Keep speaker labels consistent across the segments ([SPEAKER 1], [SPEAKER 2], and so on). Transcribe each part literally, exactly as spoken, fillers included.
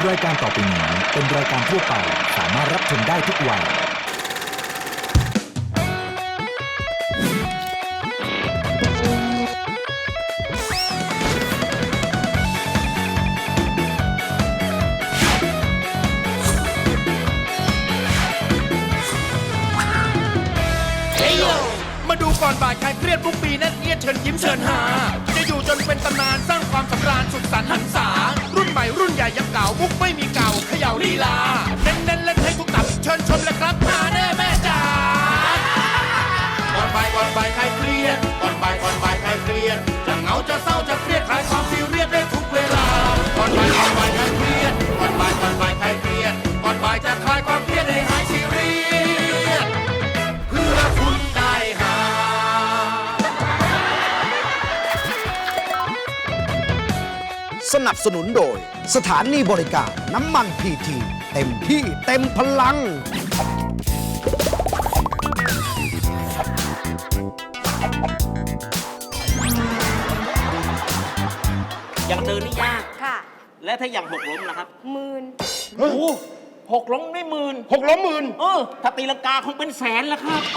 [SPEAKER 1] รายการต่อไปนี้เป็นรายการทั่วไปสามารถรับชมได้ทุกวัย
[SPEAKER 2] มาดูก่อนบ่ายใครเครียดทุกปีนั่นเอียดเชิญยิ้มเชิญหาจะอยู่จนเป็นตำนานสร้างความสำราญสุขสันต์หันษารุ่นใหม่รุ่นใหญ่ยังเก่ามุกไม่มีเก่าเขย่าลีลาเน้นเน้นเล่นให้ทุกตับเชิญชมเลยครับหาแน่แม่จ๋าก่อนบ่ายก่อนบ่ายใครเครียดก่อนบ่ายก่อนบ่ายใครเครียดจะเหงาจะเศร้าจะเครียดคลายความซีเรียสได้ทุกเวลาก่อนบ่ายก่อนบ่ายใครเครียดก่อนบ่ายก่อนบ่ายใครเครียดก่อนบ่ายจะคลายความเครียดให้หายซีเรียสเพื่อคุณได้หา
[SPEAKER 3] สนับสนุนโดยสถานีบริการน้ำมันพีทีเต็มที่เต็มพลัง
[SPEAKER 4] อย่างเดินนี่ยาก
[SPEAKER 5] ค่ะ
[SPEAKER 4] และถ้าอย่างหกล้มล่ะครับ
[SPEAKER 5] หมื่น
[SPEAKER 4] โอ้โหหกล้มไม่หมื่น
[SPEAKER 2] หกล้มหมื่น
[SPEAKER 4] เออถ้าตีลังกาคงเป็นแสนแล้วครับ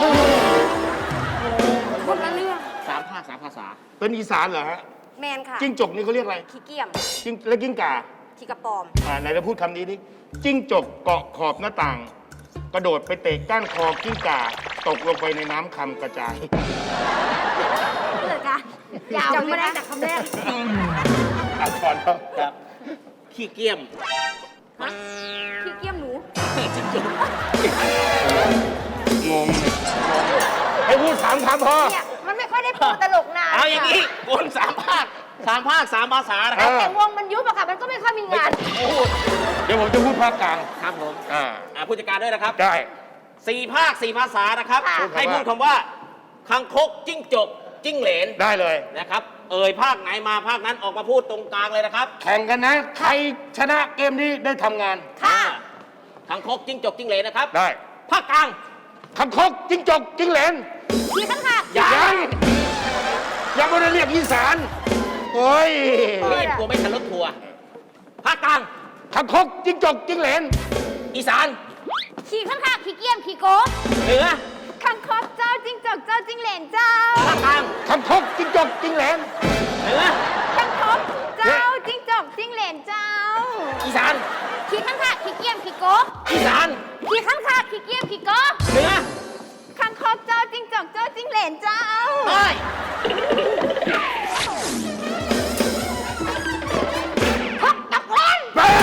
[SPEAKER 5] คนละเรื่อง
[SPEAKER 4] สามภาคสามภาษา
[SPEAKER 2] เป็นอีสานเหรอฮะ
[SPEAKER 5] แมนค่ะ
[SPEAKER 2] จิ้งจกนี่เขาเรียกอะไร
[SPEAKER 5] ขี้เกียม
[SPEAKER 2] จิ้งและกิ้งก่า
[SPEAKER 5] ขี้กระปอม
[SPEAKER 2] อ่าไหนเราพูดคำนี้ดิจิ้งจกเกาะขอบหน้าต่าง กระโดดไปเตะก้านคอกิ้งก่า ตกลงไปในน้ำคำกระจาย
[SPEAKER 5] เกิดการยาวจำไม่ได้จากคำแรก
[SPEAKER 2] อ่านก่อนครับ
[SPEAKER 4] ครับขี้เกียม
[SPEAKER 5] ฮะขี้เกียมหนู
[SPEAKER 4] จิ้งจก
[SPEAKER 2] งงให้พูดสามคำพอ
[SPEAKER 5] เนี่ยมันไม่ค่อยได้ปูตลกนาน
[SPEAKER 4] เอาอย่างนี้คนสามภาคสามภาคสามภาษานะครับ
[SPEAKER 5] แต่วงมันยุบอะค่ะ มันก็ไม่ค่อยมีงาน
[SPEAKER 4] พูด
[SPEAKER 2] เดี๋ยวผมจะพูดภาคกลาง
[SPEAKER 4] ครับผม
[SPEAKER 2] อ่า
[SPEAKER 4] อ่าผู้จัดการด้วยนะครับ
[SPEAKER 2] ได้
[SPEAKER 4] สี่ภาคสี่ภาษานะครับ
[SPEAKER 5] ค่ะ
[SPEAKER 4] ให้พูดคำว่าคังคกจิ้งจกจิ้งเหลน
[SPEAKER 2] ได้เลย
[SPEAKER 4] นะครับ เอ่ยภาคไหนมาภาคนั้นออกมาพูดตรงกลางเลยนะครับ
[SPEAKER 2] แข่งกันนะ ใครชนะเกมนี้ได้ทำงาน
[SPEAKER 5] ค่ะ
[SPEAKER 4] คังคกจิ้งจกจิ้งเหลนนะครับ
[SPEAKER 2] ได้
[SPEAKER 4] ภาคกลาง
[SPEAKER 2] คำคกจิ้งจกจิ้งเหลน
[SPEAKER 5] ขี้ข้างค่ะ
[SPEAKER 2] ยังยังไม่ได้เรียกอีสานโอ้ย
[SPEAKER 4] รีบกลัวไม่ทันรถทัวร์ภาคกลาง
[SPEAKER 2] คำคกจิ้งจกจิ้งเหลน
[SPEAKER 4] อีสาน
[SPEAKER 5] ขี้ข้างค่ะขี้เกียมขี้โกบ
[SPEAKER 4] เหนือ
[SPEAKER 5] คังคกเจ้าจิ้งจกเจ้าจิ้งเหลนเจ้า
[SPEAKER 4] ภาคกลาง
[SPEAKER 2] คำคกจิ้งจกจิ้งเหลน
[SPEAKER 4] เหนือ
[SPEAKER 5] คังคกเจ้าจิ้งจกจิ้งเหลนเจ้า
[SPEAKER 4] อีสาน
[SPEAKER 5] ขี้ข้างค่ะขี้เกียมขี้โกบ
[SPEAKER 4] อีสาน
[SPEAKER 5] ขี้ข้างค่ะขี้เกียมขี้โกบ
[SPEAKER 4] เหนือ
[SPEAKER 5] คังคกเจ้าจิ้งจกเจ้าจิ้งเหลนเจ้า
[SPEAKER 4] ใต้
[SPEAKER 5] ฮกตกเล่น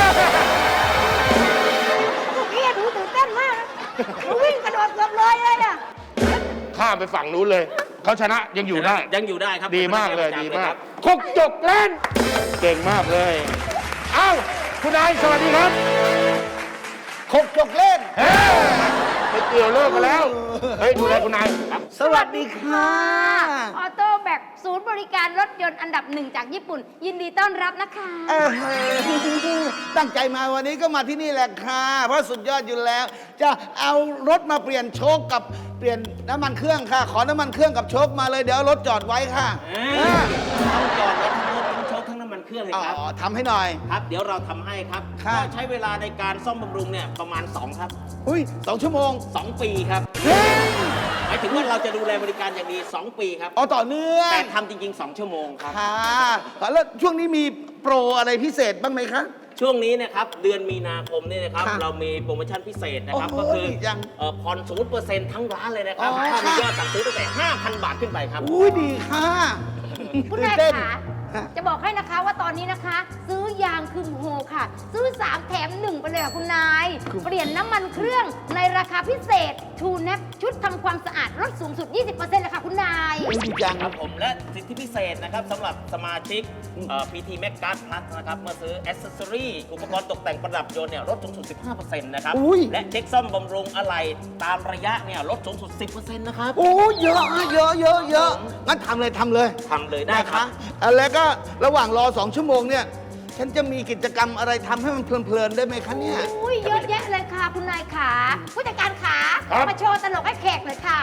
[SPEAKER 5] เฮียดูตื่นเต้นมากนะหนูวิ่งกระโดดเกือบเลยเลยอะ
[SPEAKER 2] ข้ามไปฝั่งนู้นเลย เขาชนะยังอยู่ได้
[SPEAKER 4] ยังอยู่ได้ครับ
[SPEAKER 2] ดีมากเลยดีมาก
[SPEAKER 4] ครับ
[SPEAKER 2] คกจกเล่น เก่งมากเลย เอ้า คุณนายสวัสดีครับ
[SPEAKER 3] คกจกเล่น
[SPEAKER 2] เฮ้ยไปเกี่ยวเลิกกันแล้ว เฮ้ย ดูแลคุณนายครับ
[SPEAKER 3] สวัสดีค่ะ
[SPEAKER 5] ออโต้แบกศูนย์บริการรถยนต์อันดับหนึ่งจากญี่ปุ่น ยินดีต้อนรับนะคะ
[SPEAKER 3] เออตั้งใจมาวันนี้ก็มาที่นี่แหละค่ะ เพราะสุดยอดอยู่แล้ว จะเอารถมาเปลี่ยนโชคกับเปลี่ยนน้ำมันเครื่องค่ะ ขอน้ำมันเครื่องกับโชคมาเลยเดี๋ยวเอารถจอดไว้ค่ะ
[SPEAKER 4] เอ้
[SPEAKER 3] เอย อ
[SPEAKER 4] เอาจอดรถทั้งรถทั้งโชคทั้งน้ำมันเครื่องเลย
[SPEAKER 3] อ๋อ
[SPEAKER 4] ครับ
[SPEAKER 3] ทำให้หน่อย
[SPEAKER 4] ครับ เดี๋ยวเราทำให้ครับ
[SPEAKER 3] ค่ะ
[SPEAKER 4] ก็ใช้เวลาในการซ่อมบำรุงเนี่ยประมาณสองครับ
[SPEAKER 3] อุ้ยสองชั่วโมง
[SPEAKER 4] สองปีครับ
[SPEAKER 3] เฮ้ย
[SPEAKER 4] หมายถึงว่าเราจะดูแลบริการอย่างดีสองปีครับ
[SPEAKER 3] อ๋อต่อเนื่อง
[SPEAKER 4] แต่ทำจริงๆสองชั่วโมงครับ
[SPEAKER 3] ค่ะแล้วช่วงนี้มีโปรอะไรพิเศษบ้างไหมคะ
[SPEAKER 4] ช่วงนี้นะครับเดือนมีนาคมนี่นะครับ
[SPEAKER 3] ค่ะ
[SPEAKER 4] เรามีโปรโมชั่นพิเศษนะครับ
[SPEAKER 3] โอ้
[SPEAKER 4] ก็
[SPEAKER 3] โห
[SPEAKER 4] คือ
[SPEAKER 3] ดีจัง
[SPEAKER 4] เอ่อผ่อนศูนย์เปอร์เซ็นต์ทั้งร้านเลยนะครับ
[SPEAKER 3] อ๋อ
[SPEAKER 4] ถ้ามี
[SPEAKER 3] ค่ะ
[SPEAKER 4] ยอดสั่งซื้อตั้งแต่ ห้าพัน บาทขึ้นไปครับ
[SPEAKER 3] อุ้ยดีค่ะ
[SPEAKER 5] คุณ
[SPEAKER 3] ตื่
[SPEAKER 5] นาย
[SPEAKER 3] เต้น
[SPEAKER 5] ขา
[SPEAKER 3] ค่ะ
[SPEAKER 5] จะบอกให้นะคะว่าตอนนี้นะคะ ซื้อยางคืมโฮค่ะ ซื้อ สาม แถม หนึ่ง ไปเลยค่ะคุณนาย เปลี่ยนน้ำมันเครื่องในราคาพิเศษ True Nap ชุดทำความสะอาดลดสูงสุด ยี่สิบเปอร์เซ็นต์ เลยค่ะคุณนาย
[SPEAKER 3] อุ้ยดีจัง
[SPEAKER 4] ครับผมและสิทธิพิเศษนะครับสำหรับสมาชิกเอ่อ พี ที Max Card Plus นะครับเมื่อซื้อ Accessory อุปกรณ์ตกแต่งประดับยนต์เนี่ยลดสูงสุด สิบห้าเปอร์เซ็นต์ นะครับ
[SPEAKER 3] อุ้ย
[SPEAKER 4] และเช็คซ่อมบำรุงอะไหล่ตามระยะเนี่ยลดสูงสุด สิบเปอร์เซ็นต์ นะครับ
[SPEAKER 3] โอ้เยอะอะเยอะเยอะเยอะงั้นทำเลยทำเลย
[SPEAKER 4] ทำเลยได้ครับ
[SPEAKER 3] อ่ะแล้วก็ระหว่างรอสองชั่วโมงเนี่ย ฉันจะมีกิจกรรมอะไรทำให้มันเพลินๆได้ไหมคะเนี่ย
[SPEAKER 5] อุ้ยเยอะแยะเลยค่ะคุณนายขาผู้จัดการขา
[SPEAKER 2] ครับ
[SPEAKER 5] มาโชว์ตลกให้แขกหน่อยค่ะ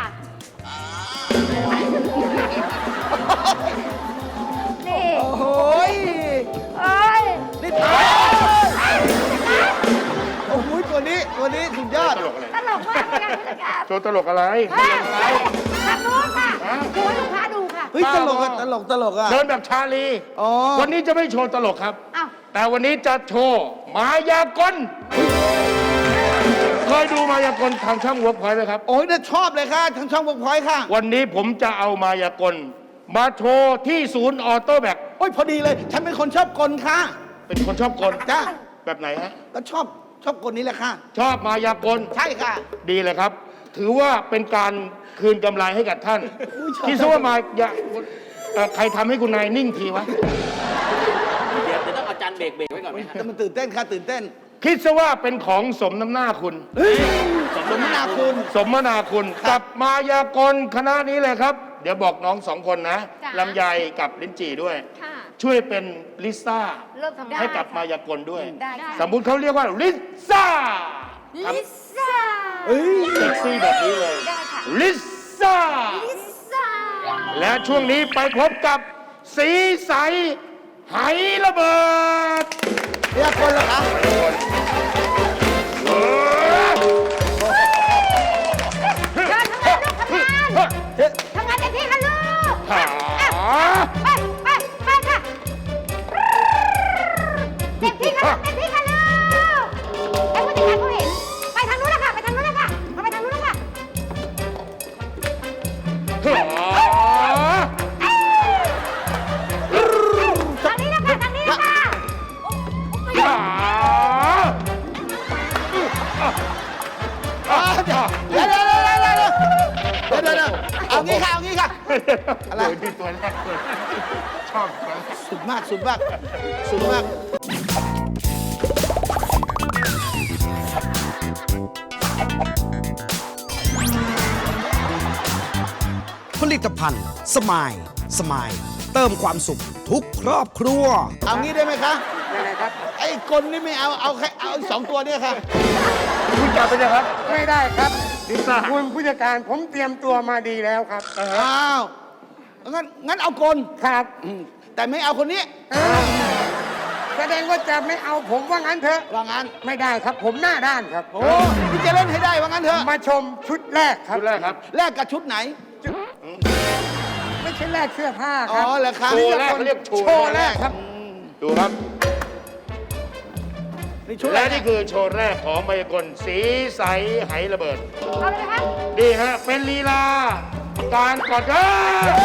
[SPEAKER 5] นี่
[SPEAKER 3] โอ้ย
[SPEAKER 5] เอ้ย
[SPEAKER 3] นี่ตาย
[SPEAKER 6] โชว์ตลกอะไร
[SPEAKER 5] เฮ้ยทางนู้นค่ะโชว์ให้ลูกค้าดูค่ะ
[SPEAKER 3] เฮ้ยตลกอะตลกตลกอะ
[SPEAKER 6] เดินแบบชาลี
[SPEAKER 3] อ๋อ
[SPEAKER 6] วันนี้จะไม่โชว์ตลกครับ
[SPEAKER 5] อ้าว
[SPEAKER 6] แต่วันนี้จะโชว์มายากลเคยดูมายากลทางช่องเวิร์กพอยต์ไหมครับ
[SPEAKER 3] โอ้ยน่าชอบเลยค่ะทางช่องเวิร์กพอยต์ค่ะ
[SPEAKER 6] วันนี้ผมจะเอามายากลมาโชว์ที่ศูนย์ออโต้แบก
[SPEAKER 3] โอ้ยพอดีเลย ฉันเป็นคนชอบกลค่ะ
[SPEAKER 6] เป็นคนชอบกล
[SPEAKER 3] จ้า
[SPEAKER 6] แบบไหนฮะ
[SPEAKER 3] ก็ชอบชอบกลนี้แหละค่ะ
[SPEAKER 6] ชอบมายากล
[SPEAKER 3] ใช่ค่ะ
[SPEAKER 6] ดีเลยครับ ถือว่าเป็นการคืนกำไรให้กับท่าน
[SPEAKER 3] อุ๊ยชอบ
[SPEAKER 6] ที่ซะว่ามายาเอ่อใครทำให้คุณนายนิ่งทีวะ
[SPEAKER 4] เดี๋ยวเดี๋ยวต้องเอาจานเบรกเบรกไว้ก่อนไหมฮะ
[SPEAKER 3] แต่มันตื่นเต้นค่ะตื่นเต้น
[SPEAKER 6] คิดซะว่าเป็นของสมน้ำหน้าคุณ
[SPEAKER 3] เฮ้ยสมนาคุณ
[SPEAKER 6] สมนาคุณ
[SPEAKER 3] ครั
[SPEAKER 6] กับ บมายากลคณะนี้เลยครับ เดี๋ยวบอกน้องสองคนนะ
[SPEAKER 5] จ้ะ
[SPEAKER 6] ลำไยกับลิ้นจี่ด้วย
[SPEAKER 5] ค่ะ
[SPEAKER 6] ช่วยเป็นลิซ่า
[SPEAKER 5] เริ่มทำได้
[SPEAKER 6] ให้กับมายากลด้วย
[SPEAKER 5] ได้ค่ะ
[SPEAKER 6] สมมุติเขาเรียกว่าลิซ่า
[SPEAKER 5] ลิซ่า
[SPEAKER 3] เฮ้ย
[SPEAKER 6] เซ็กซี่แบบนี้เลย
[SPEAKER 5] ได้ค่ะ
[SPEAKER 6] ลิซ่า
[SPEAKER 5] ลิซ่า
[SPEAKER 6] และช่วงนี้ไปพบกับสีใสไหระเบิด
[SPEAKER 3] เรียกคนเหรอคะ
[SPEAKER 6] เออ
[SPEAKER 5] เชิญทำงานลูกทำงาน ทำงานเต็มที่ค่ะลูก
[SPEAKER 6] หา
[SPEAKER 5] ไปไปไปค่ะเต็มที่ค่ะเต็มที่ค่ะลูกให้ผู้จัดการเขาเห็น ไปทางนู้นนะคะไปทางนู้นนะคะเอาไปทางนู้นนะคะ ทางนี้นะคะทางนี้นะคะ
[SPEAKER 3] อ่าเดี๋ยวเดี๋ยวเดี๋ยวเดี๋ยวเดี๋ยวเดี๋ยวเดี๋ยวเดี๋ยวเอางี้ค่ะเอางี้ค่ะ อะไร
[SPEAKER 6] โยที่ตัวแรกเลยชอบนะ
[SPEAKER 3] สุดมากสุดมากสุดมาก
[SPEAKER 7] ผลิตภัณฑ์ สมาย สมาย เติมความสุขทุกครอบครัว
[SPEAKER 3] เอางี้ได้ไหมคะ
[SPEAKER 8] ยังไงครับ
[SPEAKER 3] ไอ้กลนี่ไม่เอาเอาแค่เอาอีกสองตัวเนี่ยค่ะ
[SPEAKER 6] คุณจับไปเลยครับ
[SPEAKER 8] ไม่ได้ครับ
[SPEAKER 6] ลิซ่า
[SPEAKER 8] คุณผู้จัดการผมเตรียมตัวมาดีแล้วครับ
[SPEAKER 3] อ้าวงั้นงั้นเอากล
[SPEAKER 8] ครับ
[SPEAKER 3] อืมแต่ไม่เอาคนนี้
[SPEAKER 8] เออแสดงว่าจะไม่เอาผมว่างั้นเถอะ
[SPEAKER 3] ว่างั้น
[SPEAKER 8] ไม่ได้ครับ ผมหน้าด้านครับ
[SPEAKER 3] โอ้พี่จะเล่นให้ได้ว่างั้นเถอะ
[SPEAKER 8] มาชมชุดแรกครับ
[SPEAKER 6] ชุดแรกครับ
[SPEAKER 3] แลกกับชุดไหน
[SPEAKER 8] ไม่ใช่แรกเสื้อผ้า
[SPEAKER 3] อ๋
[SPEAKER 8] ค
[SPEAKER 3] อ
[SPEAKER 8] รับ
[SPEAKER 3] เหรอคะ
[SPEAKER 6] โชว์แรกเขาเรียกโชว์
[SPEAKER 8] โชว์แรกครับ
[SPEAKER 6] ดูครับ
[SPEAKER 3] นี่ชุดอะไร
[SPEAKER 6] และนี่คือโชว์แรกของมายากลสีใสไหระเบิด
[SPEAKER 5] เอาเลยนะคะ
[SPEAKER 6] ดีฮะ เป็นลีลา การกอดกัน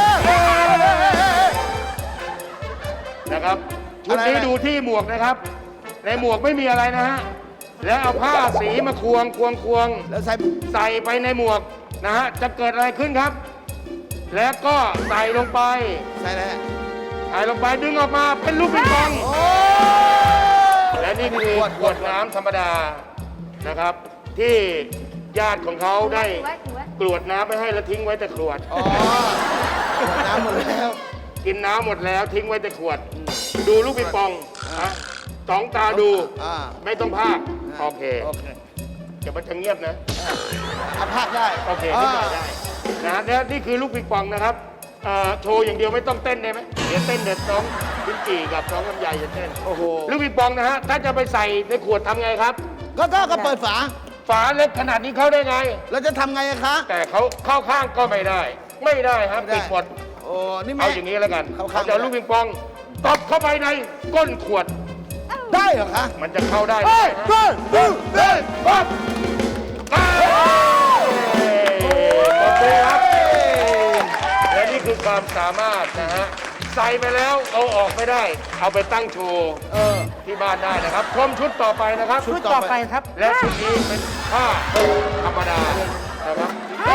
[SPEAKER 6] นะครับ ชุดนี้ดูที่หมวกนะครับ ในหมวกไม่มีอะไรนะฮะ แล้วเอาผ้าสีมาควงควงควง
[SPEAKER 3] แล้วใส่
[SPEAKER 6] ใส่ไปในหมวกนะฮะ จะเกิดอะไรขึ้นครับ แล้วก็ใส่ลงไป
[SPEAKER 3] ใส่อะไรฮะ
[SPEAKER 6] ใส่ลงไปดึงออกมาเป็นลูกปิงปอง
[SPEAKER 3] โอ้
[SPEAKER 6] และนี่คือขวดน้ำธรรมดานะครับ ที่ญาติของเขาได้
[SPEAKER 5] ถือไว้ถือไว้
[SPEAKER 6] กรวดน้ำไปให้แล้วทิ้งไว้แต่ขวด
[SPEAKER 3] อ๋อขวดน้ำหมดแล้ว
[SPEAKER 6] กินน้ำหมดแล้วทิ้งไว้แต่ขวด ดูลูกปิงปองนะสองตาดู
[SPEAKER 3] อ่า
[SPEAKER 6] ไม่ต้องพากโอเค
[SPEAKER 3] โอเค
[SPEAKER 6] เดี๋ยวมันจะเงียบนะ
[SPEAKER 3] เอาพากได้
[SPEAKER 6] โอเคนิดหน่อยได้นะแล้วนี่คือลูกปิงปองนะครับเอ่อโชว์อย่างเดียวไม่ต้องเต้นได้ไหมเดี๋ยวเต้นเดี๋ยวน้องพิ้นจีกับน้องลำไยจะเต้น
[SPEAKER 3] โอ้โห
[SPEAKER 6] ลูกปิงปองนะฮะถ้าจะไปใส่ในขวดทำไงครับ
[SPEAKER 3] ก็ก็ก็เปิดฝา
[SPEAKER 6] ฝาเล็กขนาดนี้เข้าได้ไง
[SPEAKER 3] แล้วจะทำไงอะคะ
[SPEAKER 6] แต่เขาเข้าข้างก็ไม่ได้ ไม่ได้ครับ
[SPEAKER 3] ไม่ได้
[SPEAKER 6] ปิดหมด
[SPEAKER 3] โอ้นี่แม่
[SPEAKER 6] เอาอย่างนี้แล้วกัน
[SPEAKER 3] เข้าข้าง
[SPEAKER 6] เขาจะเอาลูกปิงปองตบเข้าไปในก้นขวด
[SPEAKER 3] ได้เหรอคะ
[SPEAKER 6] มันจะเข้าได้
[SPEAKER 3] เฮ้ยเฮ้ยเฮ้ยเฮ้ย
[SPEAKER 6] ปั๊บเอ้ยขอบคุณครับและนี่คือความสามารถนะฮะใส่ไปแล้วเอาออกไม่ได้ เอาไปตั้งโชว์
[SPEAKER 3] เออ
[SPEAKER 6] ที่บ้านได้นะครับชมชุดต่อไปนะครับ
[SPEAKER 3] ชุ
[SPEAKER 8] ชุ
[SPEAKER 3] ด
[SPEAKER 8] ดต่อไปครับ
[SPEAKER 6] และชุดนี้เป็นผ้าธรรมดานะครับ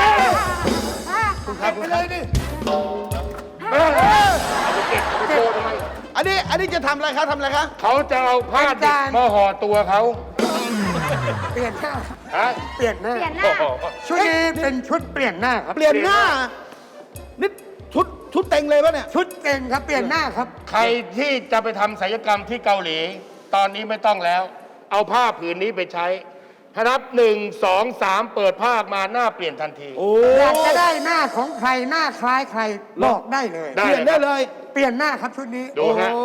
[SPEAKER 3] ครับไปเลยดิ
[SPEAKER 6] เอ้ยเอาไปเก็บเอาไปโชว์ทำไม
[SPEAKER 3] อันนี้อันนี้จะทำอะไรคะทำอะไรคะ
[SPEAKER 6] เขาจะเอาผ้าดิบมาห่อตัวเขา
[SPEAKER 8] เปลี่ยนหน้า
[SPEAKER 6] ฮะ
[SPEAKER 8] เปลี่ยนหน้า
[SPEAKER 5] เปลี่ยนหน้า
[SPEAKER 6] โอ้โห
[SPEAKER 8] ชุดนี้เป็นชุดเปลี่ยนหน้าครับ
[SPEAKER 3] เปลี่ยนหน้านี่ชุดชุดเต็งเลยปะเนี่ย
[SPEAKER 8] ชุดเต็งครับ เปลี่ยนหน้าครับ
[SPEAKER 6] ใครที่จะไปทำศัลยกรรมที่เกาหลี ตอนนี้ไม่ต้องแล้ว เอาผ้าผืนนี้ไปใช้ถ้านับหนึ่งสองสามเปิดผ้าออกมาหน้าเปลี่ยนทันที
[SPEAKER 3] โอ้
[SPEAKER 8] อยากจะได้หน้าของใครหน้าคล้ายใครบอกได้เลย
[SPEAKER 6] ได้
[SPEAKER 3] เปลี่ยนได้เลย
[SPEAKER 8] เปลี่ยนหน้าครับชุดนี้
[SPEAKER 6] ดู
[SPEAKER 3] โอ้
[SPEAKER 6] ฮะ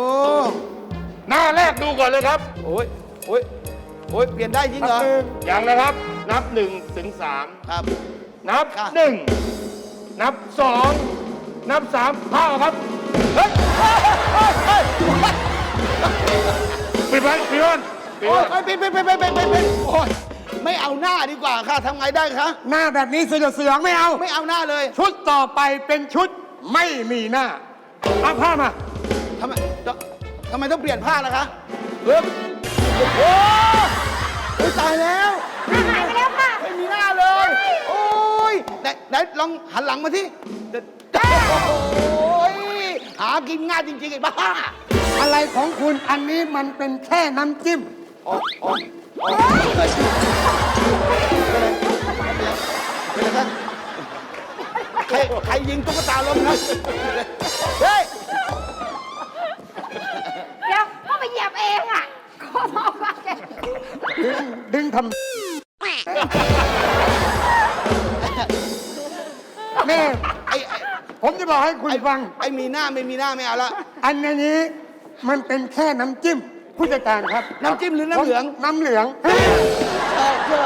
[SPEAKER 6] หน้าแรกดูก่อนเลยครับ
[SPEAKER 3] โอ้ยโอ้ยโอ้ยเปลี่ยนได้จริงเหรอ
[SPEAKER 8] คือ
[SPEAKER 6] อย่างนะครับนับหนึ่งถึงสาม
[SPEAKER 3] ครับ
[SPEAKER 6] นับ
[SPEAKER 3] ค่ะ
[SPEAKER 6] หนึ่งนับสองนับสามผ้าครับเฮ้ยปิดไว้ปิดไว้ปิด
[SPEAKER 3] โอ้
[SPEAKER 6] ไว้
[SPEAKER 3] ยไปไปไปไปไปไปไปโอ้ยไม่เอาหน้าดีกว่าค่ะทำไงได้คะ
[SPEAKER 8] หน้าแบบนี้เสือเสืองไม่เอา
[SPEAKER 3] ไม่เอาหน้าเลย
[SPEAKER 8] ชุดต่อไปเป็นชุดไม่มีหน้าเอาผ้ามา
[SPEAKER 3] ทำไมทำไมต้องเปลี่ยนผ้าล่ะคะเฮ้ยโอ้โหเฮ้ยตายแล้ว
[SPEAKER 5] หน้าหายไปแล้วค่ะ
[SPEAKER 3] ไม่มีหน้าเลย โอ้ยไหนไหนลองหันหลังมาที่โอ้ยหากินง่ายจริงๆไอ้บ้า
[SPEAKER 8] อะไรของคุณอันนี้มันเป็นแค่น้ำจิ้ม
[SPEAKER 3] อ๋ออ๋ออ๋อเป็นอะไรกันใครใครยิงตุ๊กตาล้มครับเฮ้ย
[SPEAKER 5] เดี๋ยวก็ไปเหยียบเองอ่ะขอบอกว่าแก
[SPEAKER 8] ดึงดึงทำแม่
[SPEAKER 3] ไอ้ไอ้
[SPEAKER 8] ผมจะบอกให้คุณฟัง
[SPEAKER 3] ไอ้มีหน้าไม่มีหน้าไม่เอาละ
[SPEAKER 8] อันนี้มันเป็นแค่น้ำจิ้ม ผู้จัดการครับ
[SPEAKER 3] น้ำจิ้มหรือน้ำเหลือง
[SPEAKER 8] น้ำเหลือง
[SPEAKER 3] ชอบชอบ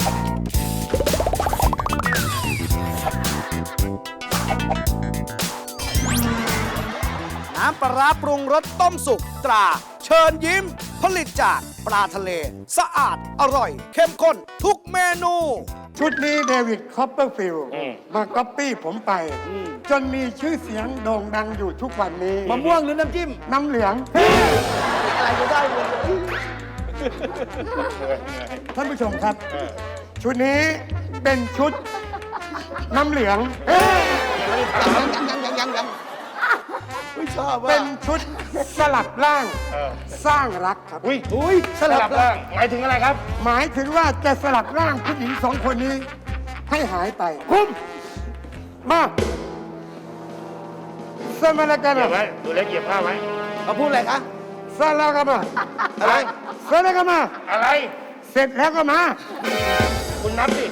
[SPEAKER 7] น้ำปลาร้าปรุงรสต้มสุกตรา เชิญยิ้ม ผลิตจากปลาทะเล สะอาดอร่อย เข้มข้นทุกเมนู
[SPEAKER 8] ชุดนี้เดวิดคอปเปอร์ฟิลด์มาก๊อปปี้ผมไป จนมีชื่อเสียงโด่งดังอยู่ทุกวันนี้
[SPEAKER 3] มะม่วงหรือน้ำจิ้ม
[SPEAKER 8] น้ำเหลือง
[SPEAKER 3] อะไรก็ได้หมด
[SPEAKER 8] ท่านผู้ชมครับ ชุดนี้เป็นชุดน้ำเหลือง
[SPEAKER 3] ยังยังยังยังยังไม่ชอบว่า
[SPEAKER 8] เป็นชุดสลับร่าง
[SPEAKER 6] เออ
[SPEAKER 8] สร้างรักครับ
[SPEAKER 6] อุ้ย
[SPEAKER 3] อุ้ยส
[SPEAKER 6] ส
[SPEAKER 3] ลั
[SPEAKER 6] ลั
[SPEAKER 3] บบ แล้
[SPEAKER 6] ร่าว งหมายถึงอะไรครับ
[SPEAKER 8] หมายถึงว่าจะสลับร่างผู้หญิงสองคนนี้ให้หายไปคุ้มมาสมาลกัน
[SPEAKER 6] เก็บไว้ดูเล็กเก็บผ้าไว้
[SPEAKER 3] เขาพูดอะไรคะ
[SPEAKER 8] สลากามา
[SPEAKER 3] อะไร
[SPEAKER 8] สลากามา
[SPEAKER 6] อะไร
[SPEAKER 8] เสร็จแล้วก็มา
[SPEAKER 6] คุณนับสิ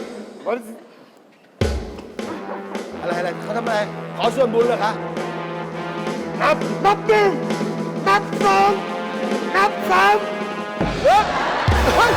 [SPEAKER 3] อะไรอะไรเขาทำอะไร ขอส่วนบุญเหรอคะ
[SPEAKER 6] นับ
[SPEAKER 8] นับหนึ่งนับสองนับสาม
[SPEAKER 3] เฮ้ยเฮ้ย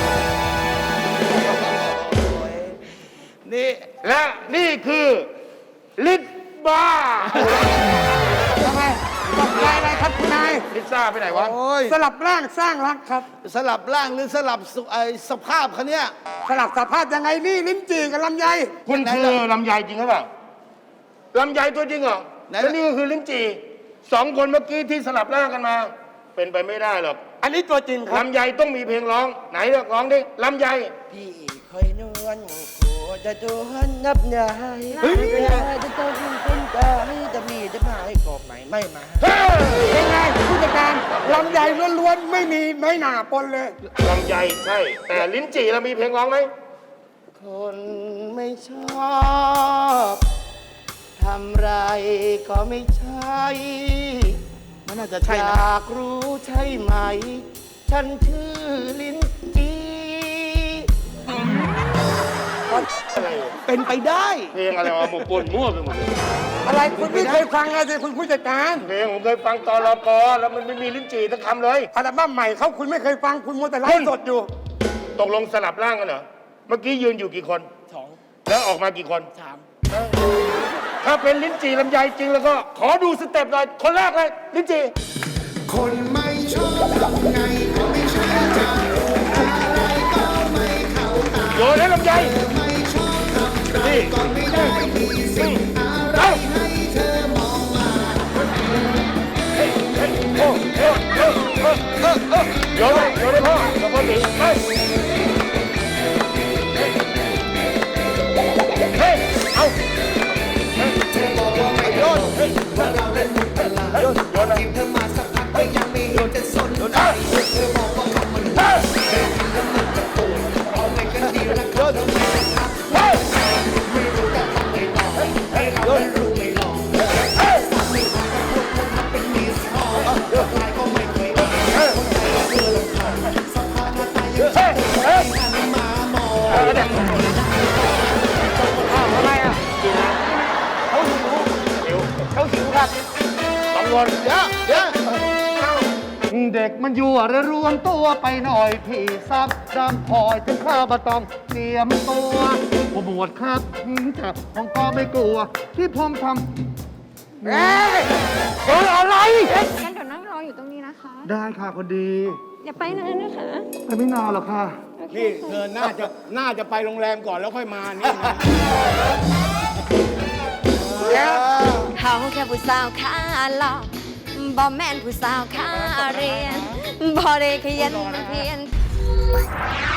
[SPEAKER 3] นี่
[SPEAKER 6] และนี่คือลิปบาร์
[SPEAKER 8] ทำไมตกใจอะไรครับคุณนาย
[SPEAKER 6] ลิซ่าไปไหนวะ
[SPEAKER 3] โอ้ย
[SPEAKER 8] สลับร่างสร้างรักครับ
[SPEAKER 3] สลับร่างหรือสลับสุไอสภาพเขาเนี่ย
[SPEAKER 8] สลับสภาพยังไงนี่ลิ้นจี่กับลำไย
[SPEAKER 6] คุณ
[SPEAKER 3] ไหน
[SPEAKER 6] คือ
[SPEAKER 3] ล่ะ
[SPEAKER 6] ลำไยจริงหรือเปล่าลำไยตัวจริงเหรอ
[SPEAKER 3] ไหนล่ะ
[SPEAKER 6] แล้วนี่ก็คือลิ้นจี่สองคนเมื่อกี้ที่สลับร่างกันมา เป็นไปไม่ได้หรอก
[SPEAKER 8] อันนี้ตัวจริงครับ
[SPEAKER 6] ลำไยต้องมีเพลงร้อง ไหนเลือกร้องดิลำไย
[SPEAKER 9] พี่คอยนวลโคจะจวนนับยายเวลาจะต้องเป็นตาให้จะมีจะพายกอบไหนไม่มา
[SPEAKER 8] เป็นไงผู้จัดการลำไยล้วนๆไม่มีน้อยหนาปนเลย
[SPEAKER 6] ลำไยใช่ แต่ลิ้นจี่เรามีเพลงร้องไหม
[SPEAKER 9] คนไม่ชอบทำไรก็ไม่ใช่
[SPEAKER 3] มันน่าจะใช่
[SPEAKER 9] อ
[SPEAKER 3] นะ
[SPEAKER 9] ยากรู้ใช่ไหม ฉันชื่อลิ้นจี
[SPEAKER 6] อะไร
[SPEAKER 3] เป็นไปได้
[SPEAKER 6] เพลงอะไรวะหมกปนมั่วไปหมดเลย
[SPEAKER 8] อะไรคุณไม่เคยฟังอะไรคุณผู้จัดการ
[SPEAKER 6] เพลงผมเคยฟังตอนรปแล้วมันไม่มีลิ้นจี่สักคำเลย
[SPEAKER 8] อัลบั้มใหม่เขาคุณไม่เคยฟังคุณมัวแต่ไลฟ์สดอยู่
[SPEAKER 6] ตกลงสลับร่างกันเหรอ เมื่อกี้ยืนอยู่กี่คน
[SPEAKER 9] สอง
[SPEAKER 6] แล้วออกมากี่คน
[SPEAKER 9] สาม
[SPEAKER 6] ถ้าเป็นลิ้นจี่ลำไยจริงแล้วก็ ขอดูสเต็ปหน่อย คนแรกเลยลิ้นจี่
[SPEAKER 10] คนไม่ชอบทำไงก็ไม่ใช่จะอะไรก็ไม่เข้าตา
[SPEAKER 6] โยนให้ลำไย
[SPEAKER 10] ไม่ชอบทำไรก็ไม่ได้มีสิ่งอะไรให้เธอมองมา
[SPEAKER 6] โอ้โอ้โอ้โอ้โอ้โอ้โยนเลยโยนเลยพ่อกับพ่อตีไปเฮ้ยเอา
[SPEAKER 10] โยนว่าเราเล่นมุกตลาดโยนทีมเธอมาสักพักก็ยังไม่เห็นจะสนใจเธอบอกว่าคำมันเดินแล้วมันจะปวดเอาไว้กันดีนะครับแล้วไม่นะครับไม่รู้แต่ทำไม่ลองให้เราไม่รู้ไม่ลองทำไม่ลองพวกคนทำเป็นมิสคอลใครก็ไม่เคยคนไทยก็เจอลำคาญสภาพหน้าตายังใช่หันมามอง
[SPEAKER 8] อะไรอ่ะ
[SPEAKER 3] เขาหิวเขาหิวครับ
[SPEAKER 6] สองคน
[SPEAKER 3] เดี๋ยวเดี๋ยว
[SPEAKER 11] เด็กมันยั่วและรวมตัวไปหน่อยพี่ซับดำพลอยถึงข้ามาต้องเตรียมตัวผู้หมวดครับจับผมก็ไม่กลัว ที่ผมทำเอ๊ะเฮ้ยอะไร
[SPEAKER 12] งั้นเดี๋ยวนั่งรออยู่ตรงนี้นะคะ
[SPEAKER 11] ได้ค่ะคนดี
[SPEAKER 12] อย่าไปนานนะคะ
[SPEAKER 11] ไปไม่นานหรอกค่ะ
[SPEAKER 3] นี่เธอน่าจะน่าจะไปโรงแรมก่อนแล้วค่อยมานี่นะ
[SPEAKER 12] เขาแค่ผู้สาวขาหลอกบ่แม่นผู้สาวขาเรียนบ่ได้ขยันเพียน